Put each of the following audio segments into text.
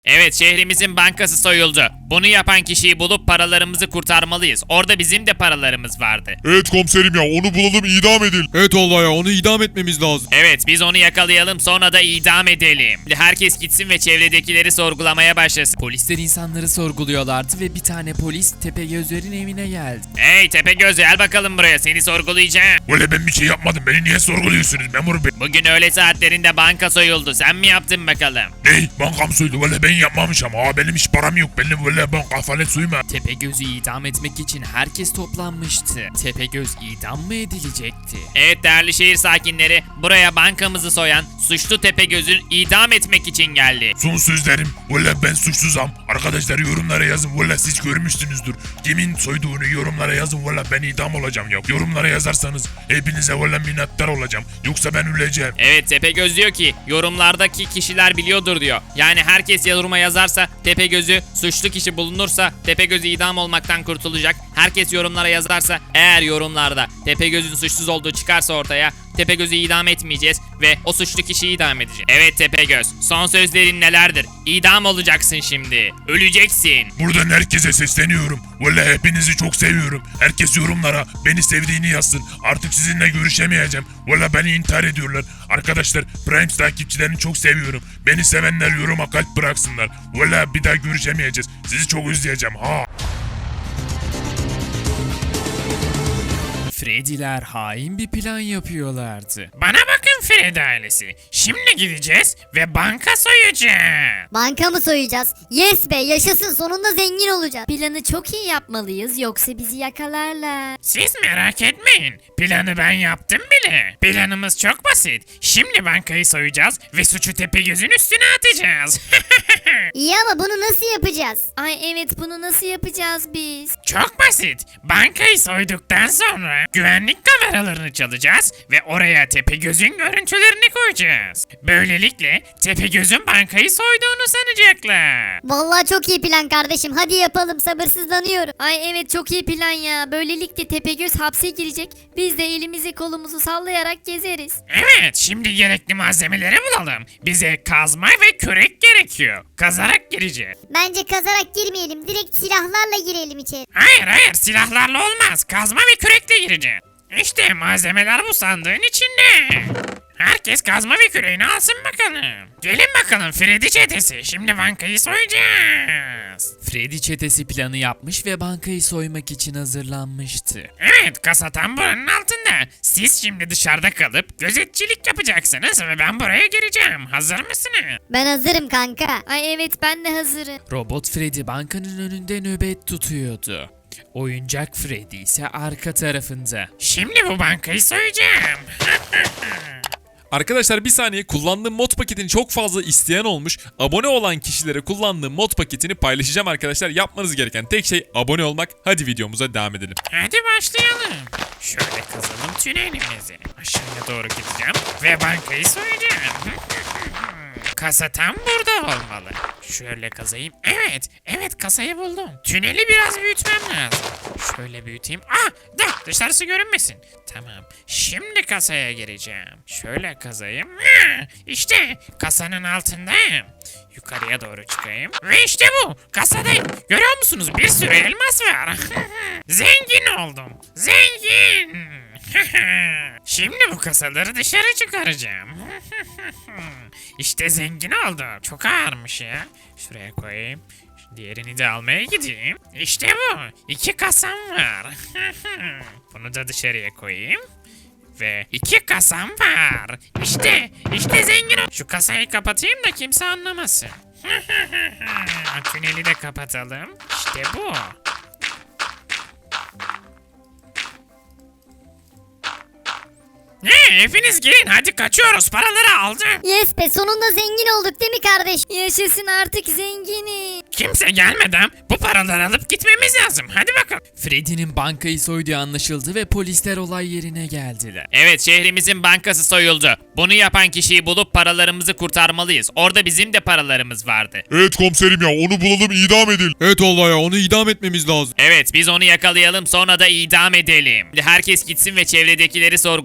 Evet, şehrimizin bankası soyuldu. Bunu yapan kişiyi bulup paralarımızı kurtarmalıyız. Orada bizim de paralarımız vardı. Evet komiserim ya, onu bulalım, idam edin. Evet vallahi ya, onu idam etmemiz lazım. Evet, biz onu yakalayalım, sonra da idam edelim. Herkes gitsin ve çevredekileri sorgulamaya başlasın. Polisler insanları sorguluyorlardı ve bir tane polis Tepegözler'in evine geldi. Hey Tepegöz, gel bakalım buraya, seni sorgulayacağım. Öyle ben bir şey yapmadım, beni niye sorguluyorsunuz memur bey? Bugün öğle saatlerinde banka soyuldu. Sen mi yaptın bakalım? Ney? Bankam soydu, öyle ben yapmamışım. Benim hiç param yok, benim öyle banka falan soyma. Tepegöz'ü idam etmek için herkes toplanmıştı. Tepegöz idam mı edilecekti? Evet değerli şehir sakinleri, buraya bankamızı soyan suçlu Tepegöz'ü idam etmek için geldi. Son sözlerim, öyle ben suçsuzam. Arkadaşlar yorumlara yazın, öyle siz görmüşsünüzdür. Kimin soyduğunu yorumlara yazın, öyle ben idam olacağım ya. Yorumlara yazarsanız hepinize öyle minnettar olacağım. Yoksa ben öleceğim. Evet, Tepegöz diyor ki yorumlardaki kişiler biliyordur diyor. Yani herkes yoruma yazarsa Tepegöz'ü, suçlu kişi bulunursa Tepegöz idam olmaktan kurtulacak. Herkes yorumlara yazarsa, eğer yorumlarda Tepegöz'ün suçsuz olduğu çıkarsa ortaya, Tepegöz'ü idam etmeyeceğiz ve o suçlu kişiyi idam edeceğiz. Evet Tepegöz, son sözlerin nelerdir? İdam olacaksın şimdi. Öleceksin. Buradan herkese sesleniyorum. Öyle hepinizi çok seviyorum. Herkes yorumlara beni sevdiğini yazsın. Artık sizinle görüşemeyeceğim. Öyle beni intihar ediyorlar. Arkadaşlar, Prime takipçilerini çok seviyorum. Beni sevenler yoruma kalp bıraksınlar. Öyle bir daha görüşemeyeceğiz. Sizi çok özleyeceğim ha. Freddy'ler hain bir plan yapıyorlardı. Bana bakın Fred ailesi. Şimdi gideceğiz ve banka soyacağız. Banka mı soyacağız? Yes be, yaşasın, sonunda zengin olacağız. Planı çok iyi yapmalıyız yoksa bizi yakalarlar. Siz merak etmeyin. Planı ben yaptım bile. Planımız çok basit. Şimdi bankayı soyacağız ve suçu Tepegöz'ün üstüne atacağız. İyi ama bunu nasıl yapacağız? Ay evet, bunu nasıl yapacağız biz? Çok basit. Bankayı soyduktan sonra güvenlik kameralarını çalacağız ve oraya Tepegöz'ün görüntülerini koyacağız. Böylelikle Tepegöz'ün bankayı soyduğunu sanacaklar. Vallahi çok iyi plan kardeşim, hadi yapalım, sabırsızlanıyorum. Ay evet, çok iyi plan ya. Böylelikle Tepegöz hapse girecek. Biz de elimizi kolumuzu sallayarak gezeriz. Evet, şimdi gerekli malzemeleri bulalım. Bize kazma ve kürek gerekiyor. Kazarak gireceğiz. Bence kazarak girmeyelim, direkt silahlarla girelim içeri. Hayır, silahlarla olmaz. Kazma ve kürekle gireceğiz. İşte malzemeler bu sandığın içinde. Herkes kazma ve küreğini alsın bakalım. Gelin bakalım Freddy çetesi. Şimdi bankayı soyacağız. Freddy çetesi planı yapmış ve bankayı soymak için hazırlanmıştı. Evet, kasa tam buranın altında. Siz şimdi dışarıda kalıp gözetçilik yapacaksınız ve ben buraya gireceğim. Hazır mısınız? Ben hazırım kanka. Ay evet, ben de hazırım. Robot Freddy bankanın önünde nöbet tutuyordu. Oyuncak Freddy ise arka tarafında. Şimdi bu bankayı soyacağım. Arkadaşlar bir saniye, kullandığım mod paketini çok fazla isteyen olmuş. Abone olan kişilere kullandığım mod paketini paylaşacağım arkadaşlar. Yapmanız gereken tek şey abone olmak. Hadi videomuza devam edelim. Hadi başlayalım. Şöyle kazalım tünelimizi. Aşağıya doğru gideceğim ve bankayı soyacağım. Kasa tam burada olmalı. Şöyle kazayım. Evet kasayı buldum. Tüneli biraz büyütmem lazım. Şöyle büyüteyim. Dışarısı görünmesin. Tamam. Şimdi kasaya gireceğim. Şöyle kazayım. İşte kasanın altındayım. Yukarıya doğru çıkayım. Ve işte bu. Kasadayım. Görüyor musunuz? Bir sürü elmas var. Zengin oldum. Zengin. Şimdi bu kasaları dışarı çıkaracağım. İşte zengin oldum. Çok ağırmış ya. Şuraya koyayım. Diğerini de almaya gideyim. İşte bu. 2 kasam var. Bunu da dışarıya koyayım. Ve 2 kasam var. İşte zengin ol. Şu kasayı kapatayım da kimse anlamasın. Tüneli de kapatalım. İşte bu. Hepiniz gelin, hadi kaçıyoruz, paraları aldım. Yes be, sonunda zengin olduk değil mi kardeş? Yaşasın, artık zenginiz. Kimse gelmeden bu paraları alıp gitmemiz lazım. Hadi bakalım. Freddy'nin bankayı soyduğu anlaşıldı ve polisler olay yerine geldiler. Evet, şehrimizin bankası soyuldu. Bunu yapan kişiyi bulup paralarımızı kurtarmalıyız. Orada bizim de paralarımız vardı. Evet komiserim ya, onu bulalım, idam edin. Evet vallahi ya, onu idam etmemiz lazım. Evet, biz onu yakalayalım, sonra da idam edelim. Herkes gitsin ve çevredekileri sorgulamaya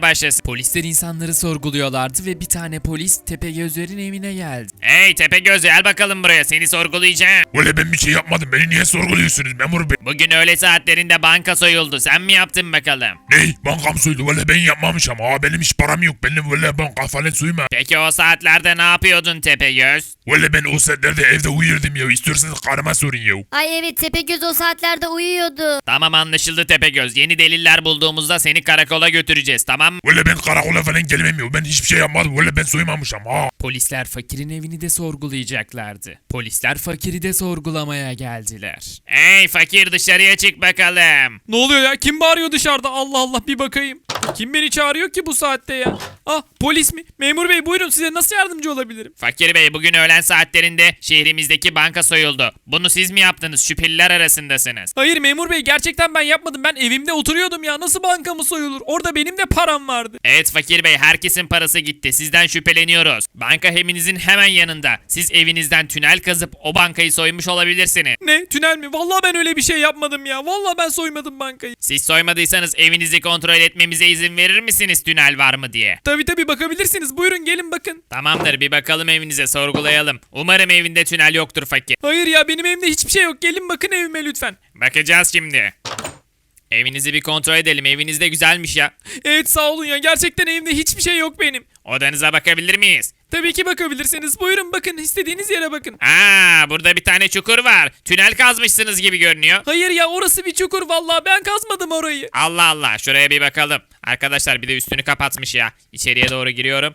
başlasın. Polisler insanları sorguluyorlardı ve bir tane polis Tepegözlerin evine geldi. Hey Tepegöz gel bakalım buraya, seni sorgulayacağım. Valla ben bir şey yapmadım. Beni niye sorguluyorsunuz memur bey? Bugün öğle saatlerinde banka soyuldu, sen mi yaptın bakalım? Ney? Bankam soydu. Valla ben yapmamışım. Benim hiç param yok. Benim valla banka falan soyma. Peki o saatlerde ne yapıyordun Tepegöz? Valla ben o saatlerde evde uyurdum ya. İstiyorsanız karıma sorun ya. Ay evet Tepegöz o saatlerde uyuyordu. Tamam anlaşıldı Tepegöz, yeni deliller bulduğumuzda seni karakola götüreceğiz, tamam mı? Valla ben karakola falan gelmem ya. Ben hiçbir şey yapmadım. Valla ben soymamışım ha. Polisler fakirin evini de sorgulayacaklardı. Polisler fakiri de sorgulamaya geldiler. Hey fakir dışarıya çık bakalım. Ne oluyor ya? Kim bağırıyor dışarıda? Allah Allah bir bakayım. Kim beni çağırıyor ki bu saatte ya? Ah polis mi? Memur bey buyurun, size nasıl yardımcı olabilirim? Fakir bey, bugün öğlen saatlerinde şehrimizdeki banka soyuldu. Bunu siz mi yaptınız? Şüpheliler arasındasınız. Hayır memur bey, gerçekten ben yapmadım. Ben evimde oturuyordum ya. Nasıl bankamı soyulur? Orada benim de param vardı. Evet fakir bey, herkesin parası gitti. Sizden şüpheleniyoruz. Banka evinizin hemen yanında. Siz evinizden tünel kazıp o bankayı soymuş olabilirsiniz. Ne? Tünel mi? Vallahi ben öyle bir şey yapmadım ya. Vallahi ben soymadım bankayı. Siz soymadıysanız evinizi kontrol etmemize izin verir misiniz, tünel var mı diye? Tabii bakabilirsiniz. Buyurun gelin bakın. Tamamdır, bir bakalım evinize, sorgulayalım. Umarım evinde tünel yoktur fakir. Hayır ya, benim evimde hiçbir şey yok. Gelin bakın evime lütfen. Bakacağız şimdi. Evinizi bir kontrol edelim. Eviniz de güzelmiş ya. Evet sağ olun ya. Gerçekten evimde hiçbir şey yok benim. Odanıza bakabilir miyiz? Tabii ki bakabilirsiniz. Buyurun bakın. İstediğiniz yere bakın. Burada bir tane çukur var. Tünel kazmışsınız gibi görünüyor. Hayır ya, orası bir çukur. Vallahi ben kazmadım orayı. Allah Allah, şuraya bir bakalım. Arkadaşlar bir de üstünü kapatmış ya. İçeriye doğru giriyorum.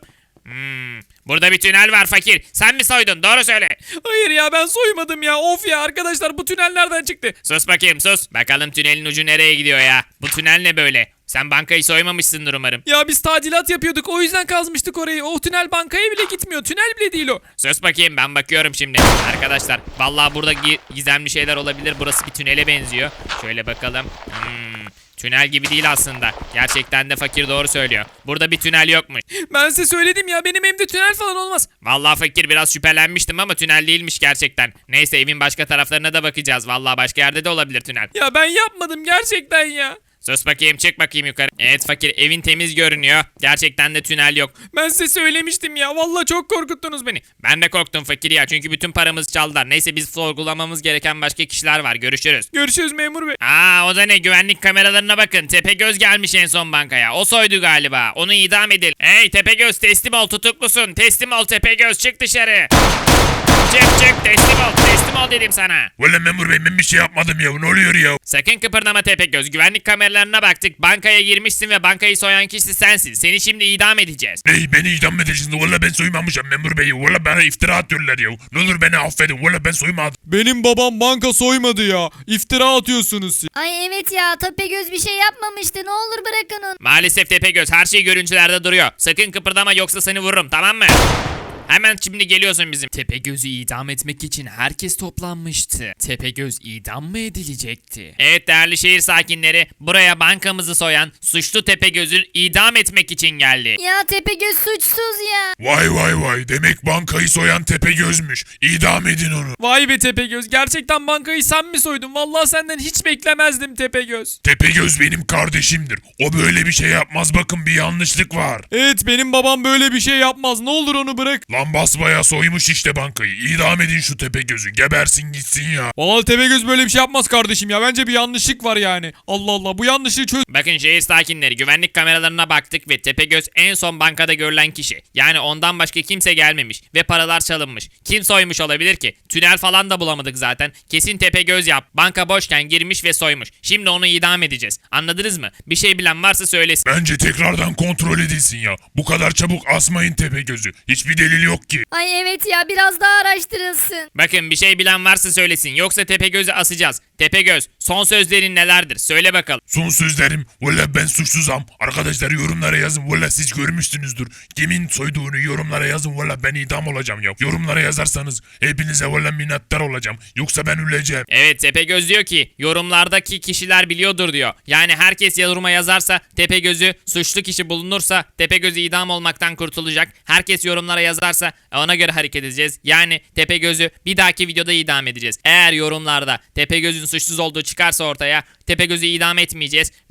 Burada bir tünel var fakir. Sen mi soydun? Doğru söyle. Hayır ya, ben soymadım ya. Of ya arkadaşlar, bu tünel nereden çıktı? Sus bakayım sus. Bakalım tünelin ucu nereye gidiyor ya? Bu tünel ne böyle? Sen bankayı soymamışsındır umarım. Ya biz tadilat yapıyorduk, o yüzden kazmıştık orayı. O tünel bankaya bile gitmiyor. Tünel bile değil o. Sus bakayım, ben bakıyorum şimdi. Arkadaşlar vallahi burada gizemli şeyler olabilir. Burası bir tünele benziyor. Şöyle bakalım. Tünel gibi değil aslında. Gerçekten de fakir doğru söylüyor. Burada bir tünel yokmuş. Ben size söyledim ya, benim evimde tünel falan olmaz. Vallahi fakir biraz şüphelenmiştim ama tünel değilmiş gerçekten. Neyse, evin başka taraflarına da bakacağız. Vallahi başka yerde de olabilir tünel. Ya ben yapmadım gerçekten ya. Sus bakayım, çık bakayım yukarı. Evet fakir, evin temiz görünüyor. Gerçekten de tünel yok. Ben size söylemiştim ya. Vallahi çok korkuttunuz beni. Ben de korktum fakir ya, çünkü bütün paramızı çaldılar. Neyse, biz sorgulamamız gereken başka kişiler var. Görüşürüz. Görüşürüz memur bey. O da ne? Güvenlik kameralarına bakın. Tepegöz gelmiş en son bankaya. O soydu galiba. Onu idam edelim. Hey Tepegöz, teslim ol, tutuklusun. Teslim ol Tepegöz, çık dışarı. Çık teslim ol dedim sana. Valla memur bey ben bir şey yapmadım ya. Ne oluyor ya? Sakın kıpırdama Tepegöz. Güvenlik kameralarına baktık. Bankaya girmişsin ve bankayı soyan kişi sensin. Seni şimdi idam edeceğiz. Ney, beni idam edeceksiniz? Valla ben soymamışım memur bey. Valla bana iftira atıyorlar ya. Ne olur beni affedin. Valla ben soymadım. Benim babam banka soymadı ya. İftira atıyorsunuz siz. Ay evet ya Tepegöz bir şey yapmamıştı. Ne olur bırakın onu. Maalesef Tepegöz, her şey görüntülerde duruyor. Sakın kıpırdama yoksa seni vururum, tamam mı? Hemen şimdi geliyorsun bizim. Tepegöz'ü idam etmek için herkes toplanmıştı. Tepegöz idam mı edilecekti? Evet değerli şehir sakinleri, buraya bankamızı soyan suçlu Tepegöz'ü idam etmek için geldi. Ya Tepegöz suçsuz ya. Vay. Demek bankayı soyan Tepegöz'müş. İdam edin onu. Vay be Tepegöz. Gerçekten bankayı sen mi soydun? Vallahi senden hiç beklemezdim Tepegöz. Tepegöz benim kardeşimdir. O böyle bir şey yapmaz, bakın bir yanlışlık var. Evet, benim babam böyle bir şey yapmaz. Ne olur onu bırak. Lan basbaya soymuş işte bankayı. İdam edin şu Tepegöz'ü. Gebersin gitsin ya. Vallahi Tepegöz böyle bir şey yapmaz kardeşim ya. Bence bir yanlışlık var yani. Allah Allah, bu yanlışlığı çöz. Bakın şehir sakinleri, güvenlik kameralarına baktık ve Tepegöz en son bankada görülen kişi. Yani ondan başka kimse gelmemiş ve paralar çalınmış. Kim soymuş olabilir ki? Tünel falan da bulamadık zaten. Kesin Tepegöz yap. Banka boşken girmiş ve soymuş. Şimdi onu idam edeceğiz. Anladınız mı? Bir şey bilen varsa söylesin. Bence tekrardan kontrol edilsin ya. Bu kadar çabuk asmayın Tepegöz'ü. Hiçbir delil yok ki. Ay evet ya biraz daha araştırılsın. Bakın bir şey bilen varsa söylesin. Yoksa Tepegöz'ü asacağız. Tepegöz, son sözlerin nelerdir? Söyle bakalım. Son sözlerim. Valla ben suçsuzam. Arkadaşlar yorumlara yazın. Valla siz görmüşsünüzdür. Kimin soyduğunu yorumlara yazın. Valla ben idam olacağım ya. Yorumlara yazarsanız hepinize valla minnettar olacağım. Yoksa ben öleceğim. Evet, Tepegöz diyor ki yorumlardaki kişiler biliyordur diyor. Yani herkes yoruma yazarsa Tepegöz'ü, suçlu kişi bulunursa Tepegöz idam olmaktan kurtulacak. Herkes yorumlara yazarsa ona göre hareket edeceğiz. Yani Tepegöz'ü bir dahaki videoda idam edeceğiz. Eğer yorumlarda Tepegöz'ün suçsuz olduğu çıkarsa ortaya Tepegöz'ü idam etmeyeceğiz ve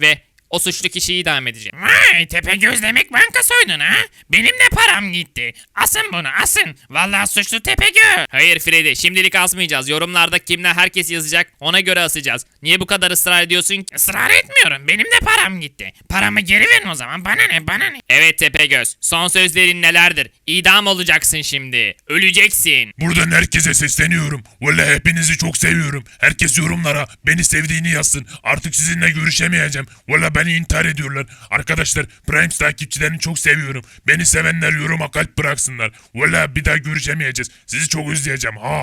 O suçlu kişiyi idam edeceğim. Vay Tepegöz demek banka soydun ha? Benim de param gitti. Asın bunu asın. Vallahi suçlu Tepegöz. Hayır Freddy, şimdilik asmayacağız. Yorumlarda kimler herkes yazacak, ona göre asacağız. Niye bu kadar ısrar ediyorsun ki? Israr etmiyorum. Benim de param gitti. Paramı geri verin o zaman. Bana ne bana ne? Evet Tepegöz, son sözlerin nelerdir? İdam olacaksın şimdi. Öleceksin. Buradan herkese sesleniyorum. Vallahi hepinizi çok seviyorum. Herkes yorumlara beni sevdiğini yazsın. Artık sizinle görüşemeyeceğim. Vallahi beni intihar ediyorlar. Arkadaşlar Primes takipçilerini çok seviyorum. Beni sevenler yoruma kalp bıraksınlar. Vallahi bir daha görüşemeyeceğiz. Sizi çok özleyeceğim. Ha.